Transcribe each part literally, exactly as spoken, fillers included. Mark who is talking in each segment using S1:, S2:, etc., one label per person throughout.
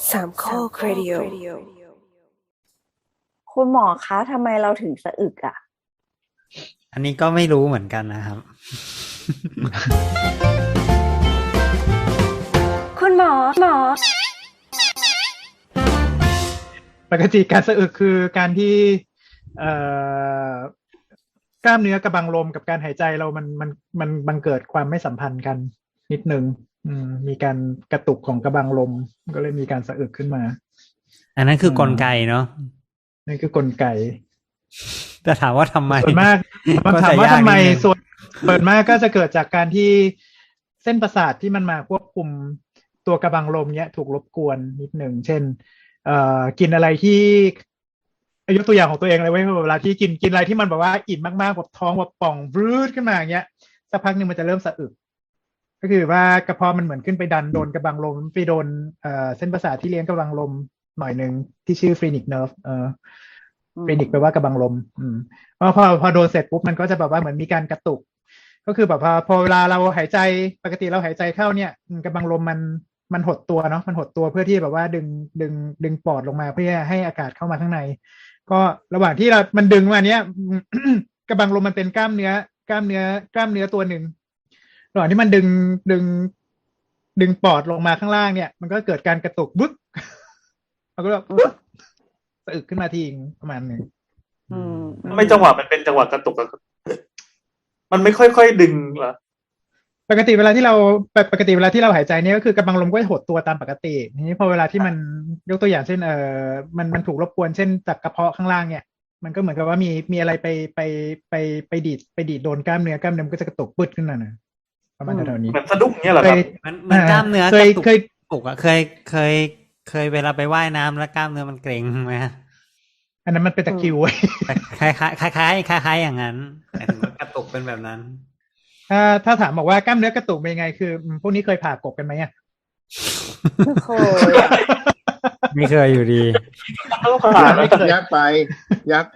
S1: สามข้อครดิโอ
S2: คุณหมอคะทำไมเราถึงสะอึกอ่ะ
S3: อันนี้ก็ไม่รู้เหมือนกันนะครับ
S2: คุณหมอหมอ
S4: ปกติการสะอึกคือการที่เอ่อกล้ามเนื้อกระบังลมกับการหายใจเรามันมันมันบังเกิดความไม่สัมพันธ์กันนิดนึงอืมมีการกระตุกของกระบังลมก็เลยมีการสะอึกขึ้นมา
S3: อันนั้นคือกลไกเนาะ
S4: นั่นคือกลไก
S3: แต่ถามว่าทำไม
S4: ส่วนมาก
S3: ก็จะ
S4: ถามว่าย
S3: าก
S4: ทำไม
S3: นิดนึง
S4: ส่วนส่วนมากก็จะเกิดจากการที่เส้นประสาทที่มันมาควบคุมตัวกระบังลมเนี้ยถูกรบกวนนิดหนึ่งเช่นเอ่อกินอะไรที่ยกตัวอย่างของตัวเองเลยเว้ยเวลาที่กินกินอะไรที่มันแบบว่าอิ่มมากๆแบบท้องแบบป่องบรืดขึ้นมาอย่างเงี้ยสักพักหนึ่งมันจะเริ่มสะอึกก็คือว่ากระเพาะมันเหมือนขึ้นไปดันโดนกระบังลมไปโดนเอ่อเส้นประสาทที่เลี้ยงกระบังลมหน่อยหนึ่งที่ชื่อฟรีนิกเนิร์ฟเอ่อฟรีนิกแปลว่ากระบังลมอืมพอพอพอโดนเสร็จปุ๊บมันก็จะแบบว่าเหมือนมีการกระตุกก็คือแบบพอพอเวลาเราหายใจปกติเราหายใจเข้าเนี่ยกระบังลมมันมันหดตัวเนาะมันหดตัวเพื่อที่แบบว่าดึงดึงดึงปอดลงมาเพื่อให้อากาศเข้ามาข้างในก็ระหว่างที่เรา มันดึงมาเนี้ย กระบังลมมันเป็นกล้ามเนื้อกล้ามเนื้อกล้ามเนื้อตัวหนึ่งระหว่างที่มันดึงดึงดึงปอดลงมาข้างล่างเนี่ยมันก็เกิดการกระตุกบึ๊ก มันก็แบบบึ๊กสะอึกขึ้นมาทีนึงประมาณหนึ่ง
S2: อืม
S5: ไม่จังหวะมันเป็นจังหวะกระตุกอะมันไม่ค่อยๆดึงเหรอ
S4: ปกติเวลาที่เราปกติเวลาที่เราหายใจเนี่ยก็คือกำลังลมก็หดตัวตามปกติทีนี้พอเวลาที่มันยกตัวอย่างเช่นเออมันมันถูกรบกวนเช่นจากกระเพาะข้างล่างเนี่ยมันก็เหมือนกับว่ามีมีอะไรไปไปไปไปดีดไปดีดโดนกล้ามเนื้อกล้ามเนื้อมันก็จะกระตุกปึ๊ดขึ้นมานะประมาณแถวๆนี้
S5: เหมือนสะดุ้งเงี้ยเหรอครับ
S3: มันมันกล้ามเนื้อ
S4: เค
S3: ก
S4: ย
S3: ระตุก
S4: เคย
S3: ปลุกอะเคยเคยเคยเวลาไปว่ายน้ำแล้วกล้ามเนื้อมันเกร็งไหมฮะ
S4: อันนั้นมันเป็นตะคริวเว้ย
S3: แต่คล้ายคล้ายคล้ายคล้ายคล้ายคล้ายอย่างนั้นแต่ถึงว่ากระตุกเป็นแบบนั้น
S4: ถ้าถ้าถามบอกว่ากล้ามเนื้อกระตุกเป็นยังไงคืออืมพวกนี้เคยผ่ากบกันไหมอ่ะ
S2: โคยอะ
S3: ไม่เคยอยู่ดี
S5: ต้องผ่าน
S4: ไม่เคย
S6: ยากไป ยากไป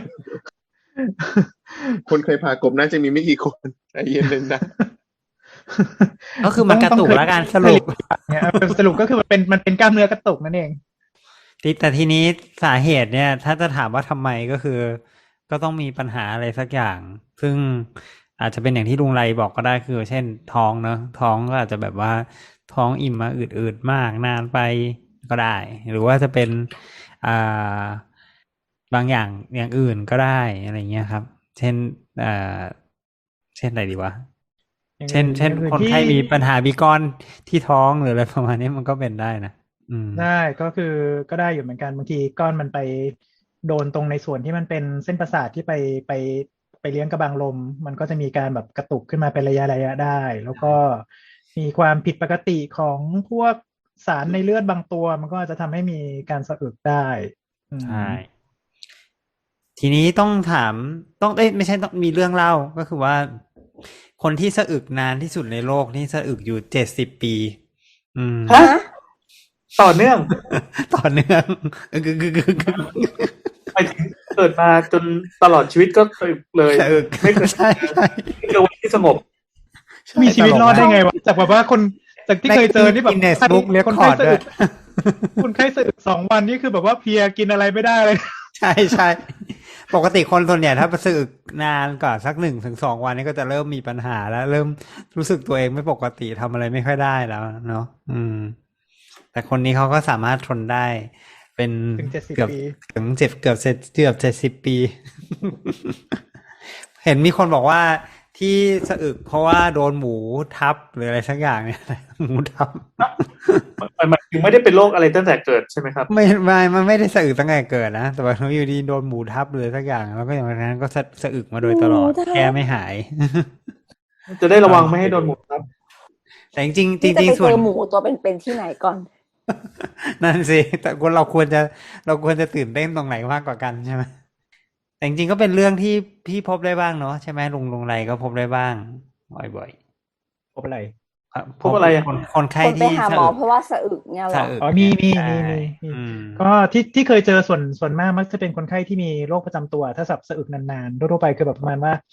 S6: คนเคยผ่ากบน่าจะมีไม่กี่คนใจเย็นเลยนะ
S3: ก็คือมันกระตุกแล้วกันสรุป
S4: เนี่ยสรุปก็คือมันเป็นมันเป็นกล้ามเนื้อกระตุกนั่นเอง
S3: ทีแต่ทีนี้สาเหตุเนี่ย ถ้าจะถามว่าทำไมก็คือ ก็ต้องมีปัญหาอะไรสักอย่าง ซึ่งอาจจะเป็นอย่างที่ลุงไรบอกก็ได้คือ เช่นท้องเนอะท้องก็อาจจะแบบว่าท้องอิ่มมาอืดๆมากนานไปก็ได้ หรือว่าจะเป็นอ่าบางอย่างอย่างอื่นก็ได้อะไรเงี้ยครับ เช่นอ่าเช่นอะไรดีวะ เช่น เช่น
S4: อย่างอื่น
S3: คน
S4: ที่
S3: ไข้มีปัญหามีก้อนที่ท้องหรืออะไรประมาณนี้มันก็เป็นได้นะอืม
S4: ได้ก็คือก็ได้อยู่เหมือนกันบางทีก้อนมันไปโดนตรงในส่วนที่มันเป็นเส้นประสาทที่ไปไปไปเลี้ยงกระบังลม มันก็จะมีการแบบกระตุกขึ้นมาเป็นระยะระยะได้ แล้วก็มีความผิดปกติของพวกสารในเลือดบางตัว มันก็อาจจะทำให้มีการสะอึกได้อืม
S3: ใช่ ทีนี้ต้องถามต้องเอ้ยไม่ใช่ต้องมีเรื่องเล่าก็คือว่า คนที่สะอึกนานที่สุดในโลกนี่สะอึกอยู่เจ็ดสิบปี อืม
S5: ฮะ ต่อเนื่อง
S3: ต่อเนื่องเออคือคือคือคือ
S5: ไปถึงเกิดมาจนตลอดชีวิตก็เคยเลย
S3: สะอึก
S5: ไม่เคย
S3: ใช่ใช่
S5: ไม่เคยวันที่สงบ
S4: มีชีวิตรอดได้ไงวะจากแบบว่าคนจากที่เคยเจอนี่แบบ
S3: กินเนสบุ๊กเรียก
S4: คน
S3: คอ
S4: ไข้
S3: ร์ด
S4: สะ
S3: ด้ว
S4: อึ
S3: ย
S4: กคนไข้สะอึกสองวันนี่คือแบบว่าเพลียกินอะไรไม่ได้เลย
S3: ใช่ใช่ปกติคนส่วนใหญ่ถ้าสะอึกนานกว่าสักหนึ่งถึงสองวันนี้ก็จะเริ่มมีปัญหาแล้ว เริ่มรู้สึกตัวเองไม่ปกติทำอะไรไม่ค่อยได้แล้วเนาะอืม แต่คนนี้เขาก็สามารถทนได้ เป็น
S4: ถึงเจ็ดสิบ
S3: เกือบ
S4: ปี
S3: ถึงเจ็บเกือบเจ็ดเกือบเจ็ดสิบปี เห็นมีคนบอกว่าที่สะอึกเพราะว่าโดนหมูทับหรืออะไรสักอย่างเนี่ย หมูทับ
S5: มันมันถึงไม่ได้เป็นโรคอะไรตั้งแต่เกิดใช่ไหมครับ
S3: ไม่ไม่มันไม่ได้สะอึกตั้งแต่เกิดนะแต่ว่าอยู่ดีโดนหมูทับเลยสักอย่างแล้วก็อย่างนั้นก็สะสะอึกมาโดยตลอด
S2: หมูทับ
S3: แก้ไม่หาย
S5: จะได้ระวังไม่ให้โดนหมูทับ
S3: แต่จริงๆจริง
S2: นี่จะ
S3: จริง
S2: ไป
S3: ๆส่ว
S2: เจ
S3: น
S2: อหมูตัวเป็นๆที่ไหนก่อน
S3: นั่นสิแต่คนเราควรจะเราควรจะตื่นเต้นตรงไหนมากกว่ากันใช่ไหมแต่จริงๆก็เป็นเรื่องที่พี่พบได้บ้างเนาะใช่ไหมลุงลุงไรก็พบได้บ้างบ่อย
S4: พบอะไร
S3: ๆ
S5: พบอะไรอะ
S3: คนคนไข้
S2: คนไป
S3: ที่
S2: หาหมอเพราะว่าสะอึกเนี่ยเหร
S3: สะ
S2: อ
S3: อึก
S4: อ๋อมีมี
S3: ใช่
S4: มีมีมี
S3: อืม
S4: ก็ที่ที่เคยเจอส่วนส่วนมากมักจะเป็นคนไข้ที่มีโรคประจำตัว ถ้าสับสะอึกนานๆทั่วๆไปคือแบบประมาณว่า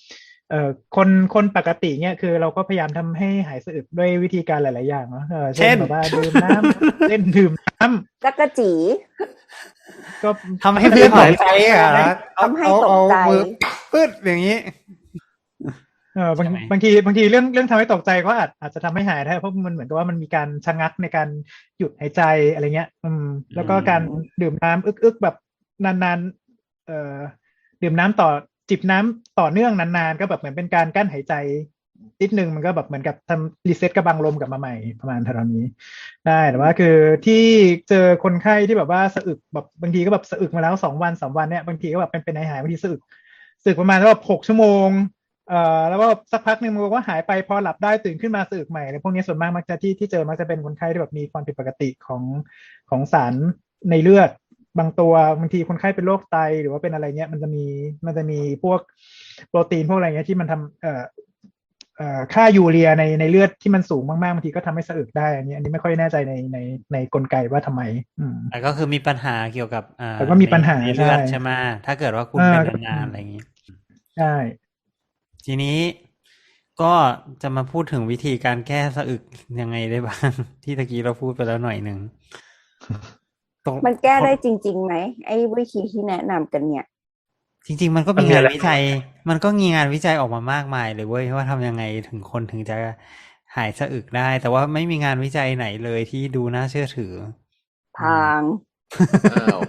S4: เอ่อคนคนปกติเนี่ยคือเราก็พยายามทำให้หายสะอึกด้วยวิธีการหลาย ๆ อย่างเนาะเออ
S3: เช่
S4: เช่น
S3: น
S4: แบบว่าดื่มน้ำ เล่นดื่มน้ำ
S2: จักรจี
S4: ก็
S3: ทำให้เพื่อนตกใจอ่ะแล้วเอา
S2: ทำให้
S3: เอา
S2: ตก
S3: เอา
S2: ใจ
S3: มือปึ๊ดอย่างนี้
S4: เออบาง
S3: ใช่ไหม
S4: บางทีบางทีเรื่องเรื่องทำให้ตกใจก็อาจอาจจะทำให้หายได้เพราะมันเหมือนกับว่ามันมีการชะงักในการหยุดหายใจอะไรเงี้ย อืม แล้วก็การดื่มน้ำอึกๆแบบนานๆเอ่อดื่มน้ำต่อจิบน้ำต่อเนื่องนานๆก็แบบเหมือนเป็นการกั้นหายใจนิดนึงมันก็แบบเหมือนกับทำรีเซ็ตกระบังลมกลับมาใหม่ประมาณเท่านี้ได้แต่ว่าคือที่เจอคนไข้ที่แบบว่าสะอึกแบบบางทีก็แบบสะอึกมาแล้วสองวันสามวันเนี่ยบางทีก็แบบเป็นเป็นหายหายบางทีสะอึกสะอึกประมาณแบบหกชั่วโมงเอ่อแล้วก็สักพักหนึ่งมันก็หายไปพอหลับได้ตื่นขึ้นมาสะอึกใหม่อะไรพวกนี้ส่วนมากมักจะที่ที่เจอมักจะเป็นคนไข้ที่แบบมีความผิดปกติของของสารในเลือดบางตัวบางทีคนไข้เป็นโรคไตหรือว่าเป็นอะไรเงี้ยมันจะมีมันจะมีพวกโปรตีนพวกอะไรเงี้ยที่มันทำเอ่อเอ่อค่ายูเรียในในเลือดที่มันสูงมากๆบางทีก็ทำให้สะอึกได้อันนี้อันนี้ไม่ค่อยแน่ใจในในในกลไกว่าทำไม อืม
S3: แต่ก็คือมีปัญหาเกี่ยวกับอ่า
S4: แต่ก็มีปัญหา
S3: ในเลือด
S4: ใช่
S3: ใช่ไหมถ้าเกิดว่าคุณ
S4: อ่า
S3: เป็นนานๆอะไรอย่างนี้
S4: ใช่
S3: ทีนี้ก็จะมาพูดถึงวิธีการแก้สะอึกยังไงได้บ้าง ที่ตะกี้เราพูดไปแล้วหน่อยหนึ่งตรง
S2: มันแก้ได้จริงๆไหมไอ้วิธีที่แนะนำกันเนี่ย
S3: จริง ๆ มันก็
S5: มัน
S3: มี
S5: มี
S3: งา
S5: อะ
S3: น
S5: ไร
S3: วิจัย มันก็มีงานวิจัยออกมามากมายเลยเว้ยว่าทำยังไงถึงคนถึงจะหายสะอึกได้ แต่ว่าไม่มีงานวิจัยไหนเลยที่ดูน่าเชื่อถือ
S2: ทาง
S6: อ้าว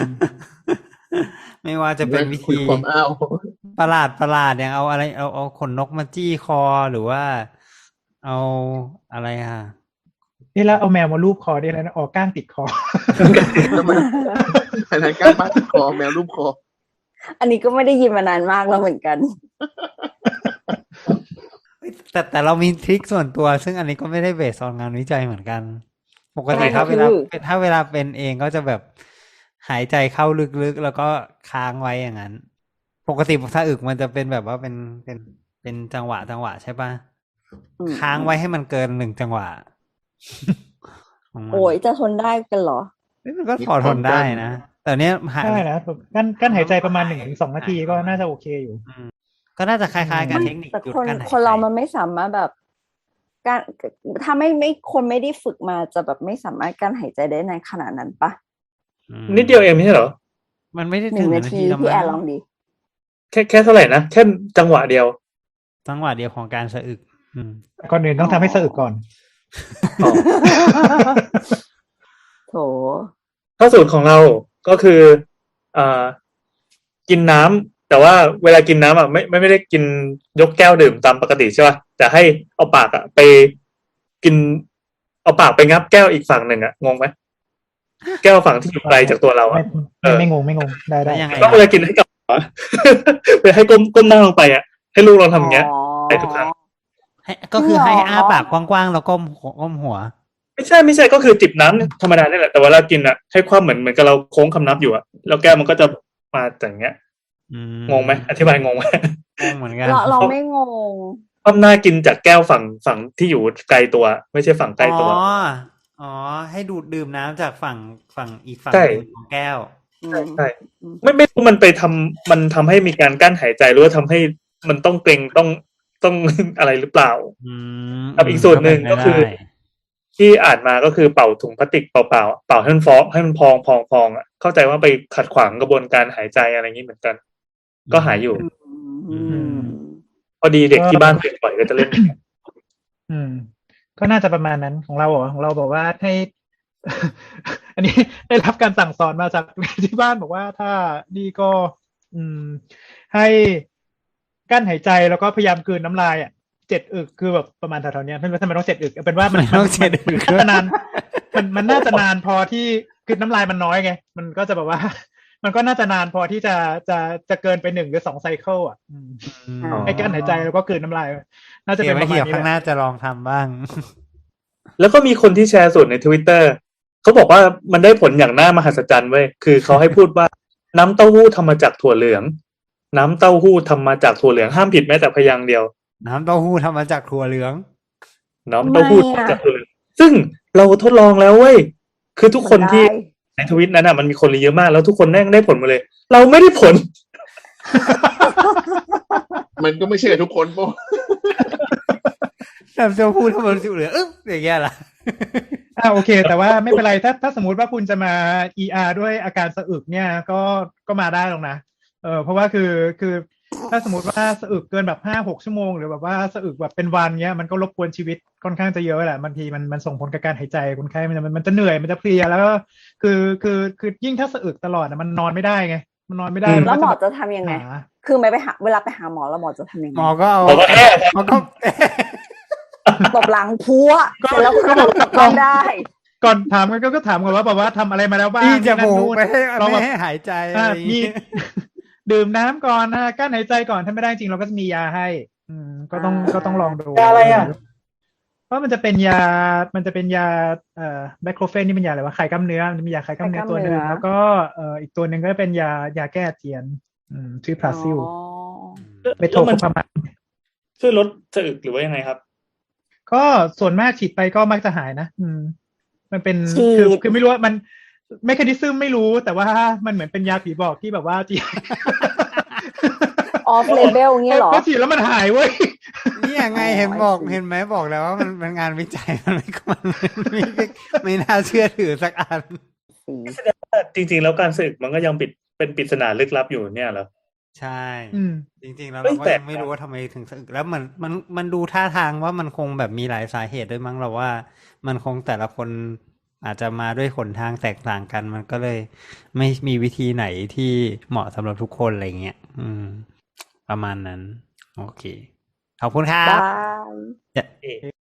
S3: ไม่ว่าจะเป็นวิ
S6: คุย
S3: ธี
S6: ความอ้าว
S3: ประหลาดประหลาดอย่างเอาอะไรเอาเอาขนนกมาจี้คอหรือว่าเอาอะไรอ่ะ
S4: นี่แล้วเอาแมวมาลูบคอได้แล้วนะออกก้างติดคอ
S6: ทำไมอันนั้นกล้าบ้าติดคอแมวรูปคอ
S2: อันนี้ก็ไม่ได้ยินมานานมากแล้วเหมือนกัน
S3: แต่แต่เรามีทริคส่วนตัว ซึ่งอันนี้ก็ไม่ได้เบสออนงานวิจัยเหมือนกัน ปกติ
S2: ใช่
S3: ถ้าเวลา
S2: คือ
S3: ถ้าเวลาเป็นเองก็จะแบบหายใจเข้าลึกๆแล้วก็ค้างไว้อย่างนั้น ปกติถ้าอึกมันจะเป็นแบบว่าเป็นเป็นเป็นจังหวะจังหวะใช่ปะ
S2: อืม
S3: ค้างไว้ให้มันเกินหนึ่งจังหวะ ของมัน
S2: โอ้ยจะทนได้กันเหรอ
S3: เอ้ยมันก็พอทนได้นะแต่เนี้ยหา
S4: ใช่นะแบบกั้นกั้นหายใจประมาณหนึ่งถึงสองนาทีก็น่าจะโอเคอยู่
S3: ก็น่าจะคล้ายๆกับเทคนิค
S2: แต่
S3: หยุด
S2: คน
S3: กั้นหายใจ
S2: คนเรามันไม่สามารถแบบการถ้าไม่ไม่คนไม่ได้ฝึกมาจะแบบไม่สามารถกั้นหายใจได้ในขนาดนั้นปะ
S3: อืม
S5: นิดเดียวเองไม่ใช่เหรอ
S3: มันไม่ได้
S2: ห
S3: ถึ
S2: นึ่
S3: ง
S2: ง
S3: นา
S2: นา
S3: ที
S2: ที
S3: แล้ว
S2: พี่
S3: มั้
S2: แอร์ลอง
S3: ง
S2: ดิ
S5: แค่แค่เท่าไหร่นะแค่จังหวะเดียว
S3: จังหวะเดียวของการสะอึก อืม
S4: ก่อนอื่นต้องทำให้สะอึกก่อน
S5: อ๋อ
S2: โถ
S5: ข้อสูตรของเราก็คืออ่ากินน้ำแต่ว่าเวลากินน้ำอ่ะไม่ไม่ไม่ได้กินยกแก้วดื่มตามปกติใช่ป่ะแต่ให้เอาปากอ่ะไปกิน เอาปากไปงับแก้วอีกฝั่งหนึ่งอ่ะงงไหมแก้วฝั่งที่อยู่ไกลจากตัวเรา
S4: ไม่
S5: อ่ะ
S4: ไม่ไม่งงไม่งงได้ได้
S3: แล้วยังไง
S5: ต้องเวลากินให้กับหัว ไปให้ก้มก้มหน้าลงไปอ่ะให้ลูกลองทำอย่างเงี้ย
S2: อ๋อ
S5: ไปทุกครั้ง
S3: ให้ก็คือให้
S2: หรอ
S3: อ้าปากกว้างๆแล้วก้มหัวก้มหัว
S5: ไม่ใช่ไม่ใช่ก็คือจิบน้ำธรรมดานี่แหละแต่เวลากินอ่ะให้ความเหมือนเหมือนกับเราโค้งคำนับอยู่อ่ะแล้วแก้วมันก็จะมาอย่างเงี้ย
S3: อืม
S5: งงไหมอธิบายงงไหม
S3: งงเหมือนกัน
S2: เราเราไม่งง
S5: ความหน้ากินจากแก้วฝั่งฝั่งที่อยู่ไกลตัว ไม่ใช่ฝั่งใกล้ตัว
S3: อ๋ออ๋อให้ดูดดื่มน้ำจากฝั่งฝั่งอีกฝั่ง
S5: ใช่
S3: หนึ่งของแก้ว
S2: อื
S5: ใช่
S2: ม
S5: ใช่ไม่ไม่รู้มันไปทำมันทำให้มีการกั้นหายใจหรือว่าทำให้มันต้องเกรงต้องต้อง อะไรหรือเปล่า
S3: อืม
S5: กับอีกส่วนหนึ่งก็คือ
S3: เป็นไปได้
S5: ที่อ่านมาก็คือเป่าถุงพลาสติกเปล่าๆเป่าให้มันฟองให้มันพองพองพองอ่ะเข้าใจว่าไปขัดขวางกระบวนการหายใจอะไรอย่างนี้เหมือนกัน ก็หายอยู่
S2: อืม
S5: พอดีเด็กที่บ้านเด็กปล่อยก็จะเล่นอย่างเงี้ย
S4: อืม ก็น่าจะประมาณนั้นของเราเหรอของเราบอกว่าให้ อันนี้ได้รับการสั่งสอนมาจาก ที่บ้านบอกว่าถ้านี่ก็ อืม ให้กั้นหายใจแล้วก็พยายามกลืนน้ำลายอ่ะเจ็ดอึกคือแบบประมาณแถวๆเนี้ยไม่รู้ทำไมต้องเจ็ดอึกเอาเป็นว่ามัน
S3: ไม่ต้องเจ็ดอึก
S4: มันน่าจะนานมันมันน่าจะนานพอที่คือน้ำลายมันน้อยไงมันก็จะแบบว่า มันก็น่าจะนานพอที่จะจะจะเกินไปหนึ่งหรือสองไซเคิลอ่ะอืม
S3: อืม
S2: อ๋อ
S4: ให้กั้นหายใจแล้วก็กลืนน้ำลาย น่าจะ
S3: เดี๋
S4: เป็
S3: ยวน
S4: ป
S3: ไว้
S4: ระมาณ
S3: เดี๋ยว
S4: นี้
S3: ข้างห
S4: แหละ
S3: น้าจะลองทำบ้าง
S5: แล้วก็มีคนที่แชร์สูตรใน Twitter เขาบอกว่ามันได้ผลอย่างน่ามหัศจรรย์เว้ยคือเขาให้พูดว่าน้ำเต้าหู้ทำมาจากถั่วเหลือง น้ำเต้าหู้ทำมาจากถั่วเหลืองห้ามผิดแม้แต่พยางค์เดียว
S3: น้ำเต้าหู้ทำมาจากถั่วเหลือง
S5: น้ำเต้าหู้
S2: ทำไมอะ
S5: ทำจากถั่วเหลืองซึ่งเราทดลองแล้วเว้ยคือทุกคนที่
S2: ได้
S5: ในทวิตนั้นอ่ะมันมีคนรีเยอะมากแล้วทุกคนแม่งได้ผลหมาเลย เราไม่ได้ผล
S6: มันก็ไม่ใช่กับทุกคนป่ะ
S3: แบบจะพูดทำไมรู้สึกเหลืออึ๊บอย่างเงี้ยล่ะ
S4: อ่าโอเค แต่ว่าไม่เป็นไรถ้าถ้าสมมติว่าคุณจะมา อี อาร์ ด้วยอาการสะอึกเนี่ยก็ก็มาได้หรอกนะเออเพราะว่าคือคือถ้าสมมติว่าสะอึกเกินแบบห้าหกชั่วโมงหรือแบบว่าสะอึกแบบเป็นวันเนี้ยมันก็รบกวนชีวิตค่อนข้างจะเยอะแหละบางทีมันมันส่งผลกับการหายใจคนไข้มันจะมันจะเหนื่อยมันจะเพลียแล้วก็คือคือคือยิ่งถ้าสะอึกตลอดนะมันนอนไม่ได้ไงมันนอนไม่ได้
S5: อืม
S2: แล้วหมอ
S4: ก็
S2: จะทำยังไง
S4: หา
S2: คือไม่ไปหาเวลาไปหาหมอแล้วหมอจะทำยังไง
S3: หมอก็เอา
S5: ผมก็แค่
S3: หมอก็
S2: ตบหลังพัว
S4: ก็
S2: เสร็จแล้วก็
S4: ก็บอก
S2: กลับบ้านได้
S4: ก่อนถามกันก็ก็ถามก่อนว่าแบบว่าทำอะไรมาแล้วบ้าง
S3: พี่จะ
S4: นั่น
S3: มูก
S4: นู่น
S3: ไม่ให้
S4: ลอง
S3: ไม่
S4: แบบ
S3: ให้หายใจอะ
S4: อ่า
S3: ไรอย่าง
S4: มี
S3: งี้
S4: ดื่มน้ำก่อนนะกั้นหายใจก่อนถ้าไม่ได้จริงเราก็จะมียาให้ อืมก็ต้อง
S2: อ่า
S4: ก็ต้องลองดู
S5: ยาอะไรอ่ะ
S4: เพราะมันจะเป็นยา มันจะเป็นยาเอ่อไบโครเฟนนี่เป็นยาอะไรวะคลายกล้ามเนื้อมันจะมียาคลายกล้ามเนื้อตัวหนึ่งแล้วก็เอ่ออีกตัวหนึ่งก็เป็นยายาแก้อาเจียน อืมชื่อพลาซิล
S2: อ๋อ
S4: เมโท
S5: แล้ว
S4: โค
S5: มัน
S4: พามาย
S5: ช่วยลดสะอึกหรือว่ายังไงครับ
S4: ก็ส่วนมากฉีดไปก็มักจะหายนะ อืม มันเป็น
S2: ฉีด
S4: คือคือไม่รู้ว่ามันไม่คดิซึมไม่รู้แต่ว่ามันเหมือนเป็นยาผีบอกที่แบบว่าจี
S2: ออฟเลเบลเงี้ยเหรอ
S4: พอฉีดแล้วมันหายเว้ย
S3: นี่ยังไง
S2: อ๋อ
S3: เห็นบอก
S2: I see
S3: เห็นไหมบอกแล้วว่ามันเป็นงานวิจัย มันไม่มันไม่ไม่ไม่น่าเชื่อถือสักอัน
S2: สี
S5: แสดงว่าจริงๆ แล้วการสะอึกมันก็ยังปิดเป็นปริศนาลึกลับอยู่เนี่ยเหรอ
S3: ใช่
S4: อืม
S3: จริงๆแล้ว
S5: เฮ้
S3: เรา
S5: ย
S3: ก็
S5: แปลก
S3: ยังไม่รู้ว่าทำไมถึงสะอึกแล้วมันมันมันดูท่าทางว่ามันคงแบบมีหลายสาเหตุด้วยมั้งเราว่า มันคงแต่ละคนอาจจะมาด้วยหนทางแตกต่างกัน มันก็เลยไม่มีวิธีไหนที่เหมาะสำหรับทุกคนอะไรเงี้ยอืม ประมาณนั้น โอเค ขอบคุณครับ
S2: บาย
S5: เอ๊ะ